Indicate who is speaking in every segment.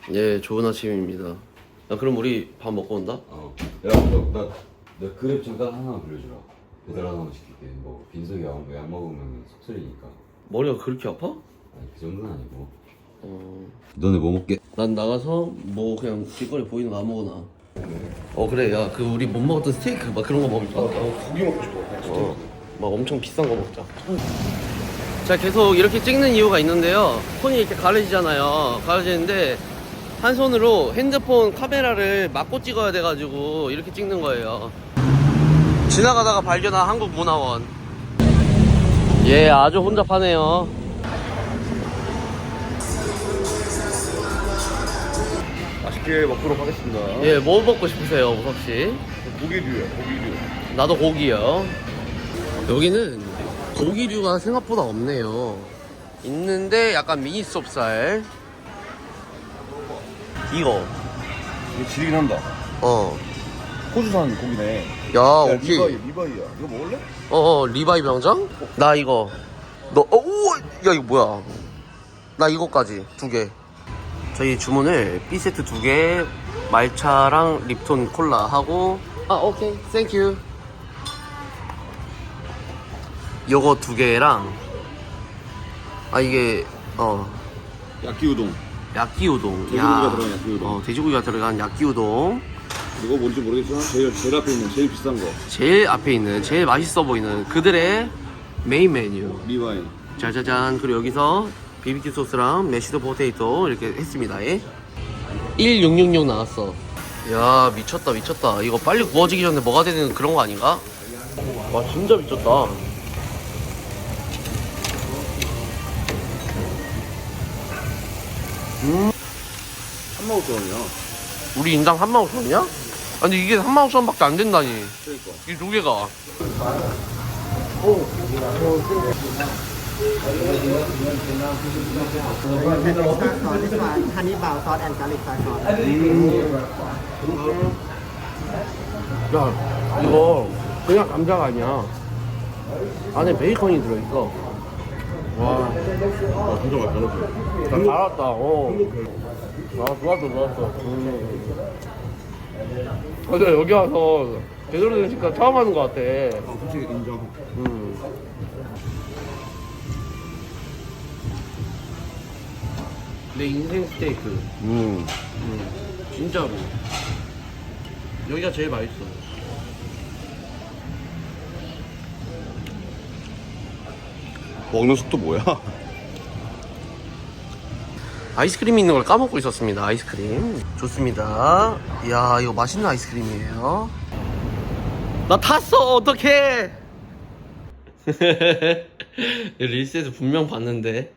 Speaker 1: 예, 좋은 아침입니다. 야, 그럼 우리 밥 먹고 온다?
Speaker 2: 야, 나 그랩 잠깐 하나 불려주라. 배달 하나만 시킬게. 뭐 빈속이 약 먹으면 속쓰리니까.
Speaker 1: 머리가 그렇게 아파?
Speaker 2: 아니 그 정도는 아니고. 너네 뭐 먹게?
Speaker 1: 난 나가서 뭐 그냥 길거리 보이는 거 아무거나. 그래. 야, 그 우리 못 먹었던 스테이크 막 그런 거 먹을까?
Speaker 3: 고기 먹고 싶어.
Speaker 1: 막 엄청 비싼 거 먹자. 자, 계속 이렇게 찍는 이유가 있는데요. 손이 이렇게 가려지잖아요. 가려지는데 한 손으로 핸드폰 카메라를 막고 찍어야 돼가지고 이렇게 찍는 거예요. 지나가다가 발견한 한국문화원. 예, 아주 혼잡하네요.
Speaker 3: 맛있게 먹도록 하겠습니다.
Speaker 1: 예, 뭐 먹고 싶으세요, 우석씨?
Speaker 3: 고기류요, 고기류.
Speaker 1: 나도 고기요. 여기는 고기류가 생각보다 없네요. 있는데 약간 미니 수업살. 이거.
Speaker 3: 이거 지리긴 한다. 호주산 고기네.
Speaker 1: 야,
Speaker 3: 야,
Speaker 1: 오케이.
Speaker 3: 리바이야. 이거 먹을래?
Speaker 1: 리바이 병장? 나 이거. 야, 이거 뭐야? 나 이거까지 2개. 저희 주문을 B세트 2개, 말차랑 립톤 콜라 하고. 오케이. 땡큐. 요거 2개랑 이게
Speaker 3: 야끼우동.
Speaker 1: 야끼우동.
Speaker 3: 돼지고기가 들어간 야끼우동.
Speaker 1: 돼지고기가 들어간 야끼우동.
Speaker 3: 이거 뭔지 모르겠지만 제일 앞에 있는 제일 비싼 거.
Speaker 1: 제일 앞에 있는 제일 맛있어 보이는 그들의 메인 메뉴.
Speaker 3: 리바이.
Speaker 1: 짜자잔. 그리고 여기서 BBQ 소스랑 메시드 포테이토 이렇게 했습니다. 1666 나왔어. 야, 미쳤다 미쳤다. 이거 빨리 구워지기 전에 뭐가 되는 그런 거 아닌가? 와, 진짜 미쳤다.
Speaker 3: 35,000원이야.
Speaker 1: 우리 인당 35,000원이야? 아니 이게 35,000원밖에 안 된다니.
Speaker 3: 그러니까.
Speaker 1: 이 2개가.
Speaker 4: This one, honey bao sauce and garlic soy sauce.
Speaker 1: 야, 이거 그냥 감자가 아니야. 안에 베이컨이 들어있어. 와,
Speaker 3: 진짜 맛있다.
Speaker 1: 잘 알았다. 좋았어. 맞아, 여기 와서 제대로 된 식당 처음 하는 것 같아.
Speaker 3: 솔직히 인정.
Speaker 1: 내 인생 스테이크. 진짜로. 여기가 제일 맛있어.
Speaker 3: 먹는 속도 뭐야?
Speaker 1: 아이스크림이 있는 걸 까먹고 있었습니다. 아이스크림 좋습니다. 이야, 이거 맛있는 아이스크림이에요. 나 탔어. 어떡해. 릴스에서 분명 봤는데.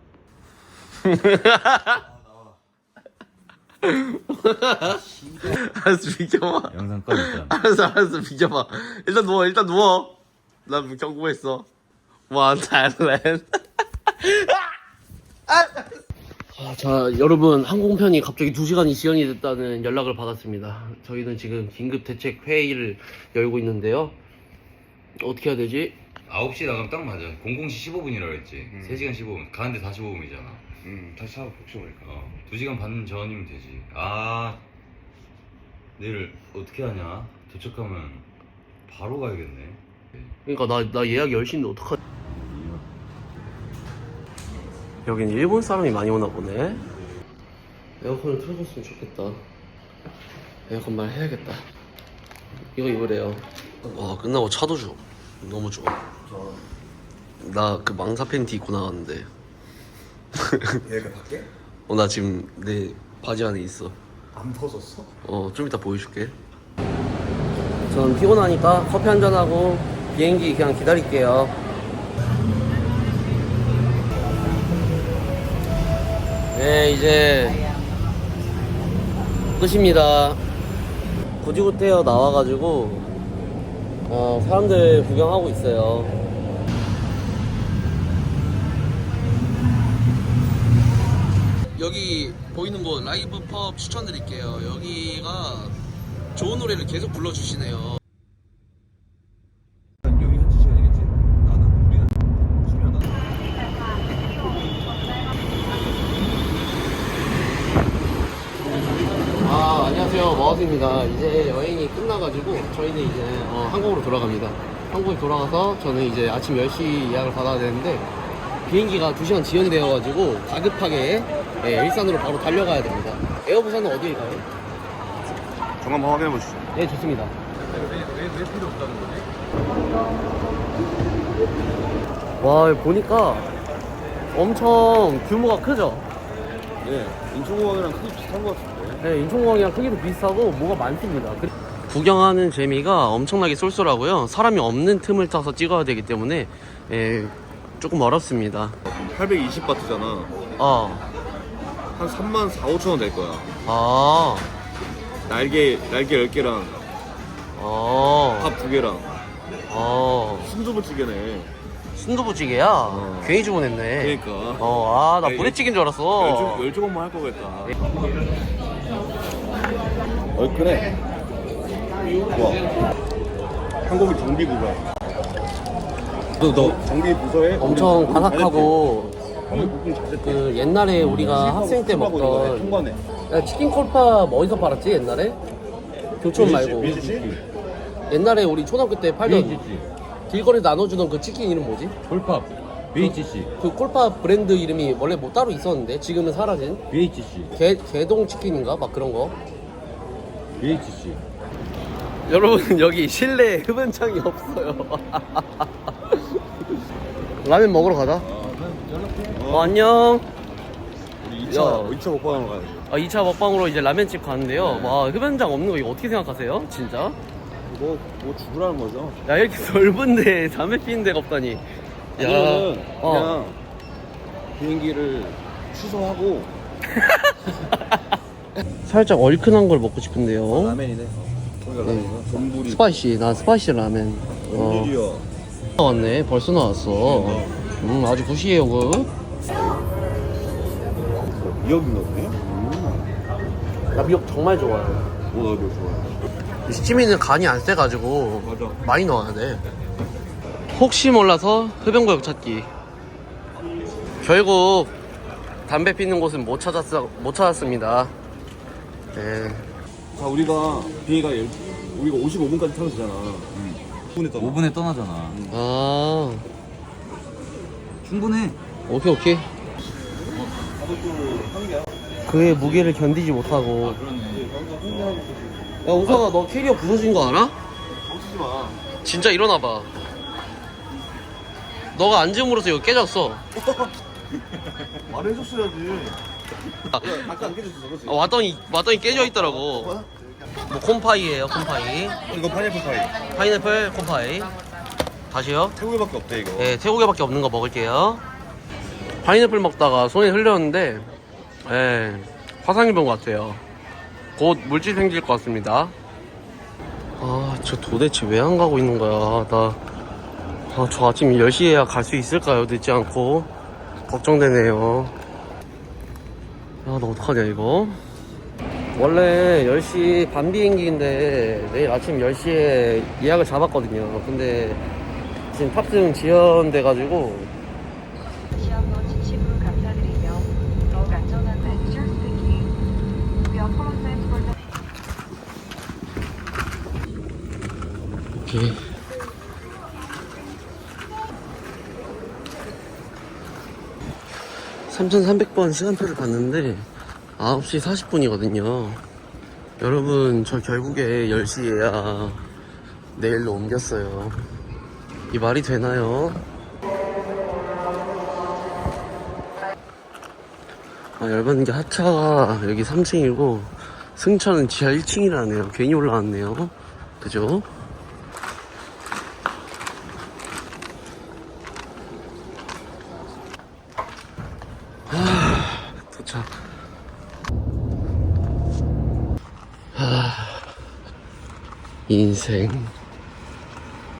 Speaker 1: 알았어, 비켜봐.
Speaker 2: 영상 꺼냈잖아.
Speaker 1: 알았어, 비켜봐. 일단 누워. 난 경고했어. One Thailand. 자, 여러분, 항공편이 갑자기 2시간이 지연이 됐다는 연락을 받았습니다. 저희는 지금 긴급 대책 회의를 열고 있는데요. 어떻게 해야 되지?
Speaker 2: 9시 나가면 딱 맞아. 00시 15분이라고 했지. 3시간 15분. 가는데 45분이잖아.
Speaker 3: 다시 한번 복싱하니까.
Speaker 2: 2시간 반 전이면 되지. 내일 어떻게 하냐? 도착하면 바로 가야겠네.
Speaker 1: 그러니까 나 예약 10시인데 어떡하지? 여긴 일본 사람이 많이 오나 보네. 에어컨을 틀어줬으면 좋겠다. 에어컨 말 해야겠다. 이거 입으래요. 와, 끝나고 차도 줘. 너무 좋아. 나 그 망사 팬티 입고 나왔는데.
Speaker 3: 얘가 밖에?
Speaker 1: 나 지금 내 바지 안에 있어.
Speaker 3: 안 벗었어?
Speaker 1: 좀 이따 보여줄게. 전 피곤하니까 커피 한잔하고 비행기 그냥 기다릴게요. 네, 이제 끝입니다. 고지고태어 나와가지고 사람들 구경하고 있어요. 여기 보이는 곳 라이브 펍 추천드릴게요. 여기가 좋은 노래를 계속 불러주시네요.
Speaker 3: 여기 현지 시간이겠지? 우리는 수면 안
Speaker 1: 안녕하세요. 머스입니다. 이제 여행이 끝나가지고 저희는 이제 한국으로 돌아갑니다. 한국에 돌아가서 저는 이제 아침 10시 예약을 받아야 되는데 비행기가 2시간 지연되어가지고 다급하게 일산으로 바로 달려가야 됩니다. 에어부산은 어디일까요?
Speaker 3: 정 한번 확인해 보시죠.
Speaker 1: 네, 좋습니다.
Speaker 3: 왜 필요 없다는 거지?
Speaker 1: 와, 보니까 엄청 규모가 크죠?
Speaker 3: 네, 인천공항이랑 크기 비슷한 것 같은데.
Speaker 1: 네, 인천공항이랑 크기도 비슷하고 뭐가 많습니다. 구경하는 재미가 엄청나게 쏠쏠하고요. 사람이 없는 틈을 타서 찍어야 되기 때문에 조금 어렵습니다.
Speaker 3: 820바트잖아. 한 3만 4, 5천 원 될 거야. 날개 10개랑 밥 2개랑 순두부찌개네.
Speaker 1: 순두부찌개야? 괜히 주문했네.
Speaker 3: 그러니까.
Speaker 1: 나 부대찌개인 줄 알았어.
Speaker 3: 10조각만 할 거겠다. 얼큰해. 좋아. 한국이 정비부서야. 너 정비부서에
Speaker 1: 엄청 바삭하고
Speaker 3: 볶음 자체
Speaker 1: 그 옛날에 우리가 학생 때 먹던
Speaker 3: 통과네.
Speaker 1: 야, 치킨 콜팝 어디서 팔았지 옛날에? 교촌 말고 옛날에 우리 초등학교 때 팔던 길거리에 나눠주던 그 치킨 이름 뭐지?
Speaker 2: 콜팝 BHC
Speaker 1: 그 콜팝 브랜드 이름이 원래 뭐 따로 있었는데 지금은 사라진
Speaker 2: BHC
Speaker 1: 개동 치킨인가? 막 그런 거.
Speaker 2: BHC
Speaker 1: 여러분 여기 실내 흡연창이 없어요. 라면 먹으러 가자. 안녕.
Speaker 3: 우리
Speaker 1: 야.
Speaker 3: 2차 먹방하러 가야지.
Speaker 1: 2차 먹방으로 이제 라면집 가는데요. 와, 흡연장 없는 거 이거 어떻게 생각하세요? 진짜?
Speaker 3: 뭐 죽으라는 거죠?
Speaker 1: 야, 이렇게 넓은데 담배 피는 데가 없다니.
Speaker 3: 아니면은 그냥 비행기를 취소하고
Speaker 1: 살짝 얼큰한 걸 먹고 싶은데요.
Speaker 3: 라면이네. 거기가 라면이야? 돈부리.
Speaker 1: 스파이시, 나 스파이시 라면.
Speaker 3: 돈부리야.
Speaker 1: 나왔네, 벌써 나왔어. 아주 굿이에요, 그.
Speaker 3: 미역인가 보네?
Speaker 1: 나 미역 정말 좋아해.
Speaker 3: 오, 나 미역 좋아해.
Speaker 1: 시치미는 간이 안 세가지고
Speaker 3: 맞아.
Speaker 1: 많이 넣어야 돼. 혹시 몰라서 흡연구역 찾기. 결국 담배 피는 곳은 못 찾았습니다. 네.
Speaker 3: 자, 우리가 비행기가 우리가 55분까지 타면 되잖아.
Speaker 2: 5분에 떠나잖아. 충분해.
Speaker 1: 오케이. 그의 무게를 견디지 못하고. 야, 우성아, 너 캐리어 부서진 거 알아?
Speaker 3: 멈추지 마.
Speaker 1: 진짜 일어나봐. 너가 앉음으로써 이거 깨졌어.
Speaker 3: 말해줬어야지. 아까 안 깨졌어, 그렇지?
Speaker 1: 왔더니 깨져 있더라고. 뭐 콤파이예요, 콤파이.
Speaker 3: 이거 파인애플 파이.
Speaker 1: 파인애플 콤파이. 다시요.
Speaker 3: 태국에밖에 없대, 이거.
Speaker 1: 네, 태국에밖에 없는 거 먹을게요. 파인애플 먹다가 손에 흘렸는데, 화상 입은 것 같아요. 곧 물질 생길 것 같습니다. 저 도대체 왜 안 가고 있는 거야? 저 아침 10시에야 갈 수 있을까요? 늦지 않고. 걱정되네요. 나 어떡하냐, 이거. 원래 10시 반 비행기인데 내일 아침 10시에 예약을 잡았거든요. 근데 지금 탑승 지연돼가지고
Speaker 5: 시험도 진심으로 감사드리며 더욱 안전한 passenger speaking. We apologize for the
Speaker 1: 오케이. (3300번) 시간표를 봤는데 9시 40분이거든요 여러분, 저 결국에 10시에야 내일로 옮겼어요. 이 말이 되나요? 열받는 게 하차가 여기 3층이고 승차는 지하 1층이라네요. 괜히 올라왔네요. 그죠? 도착. 인생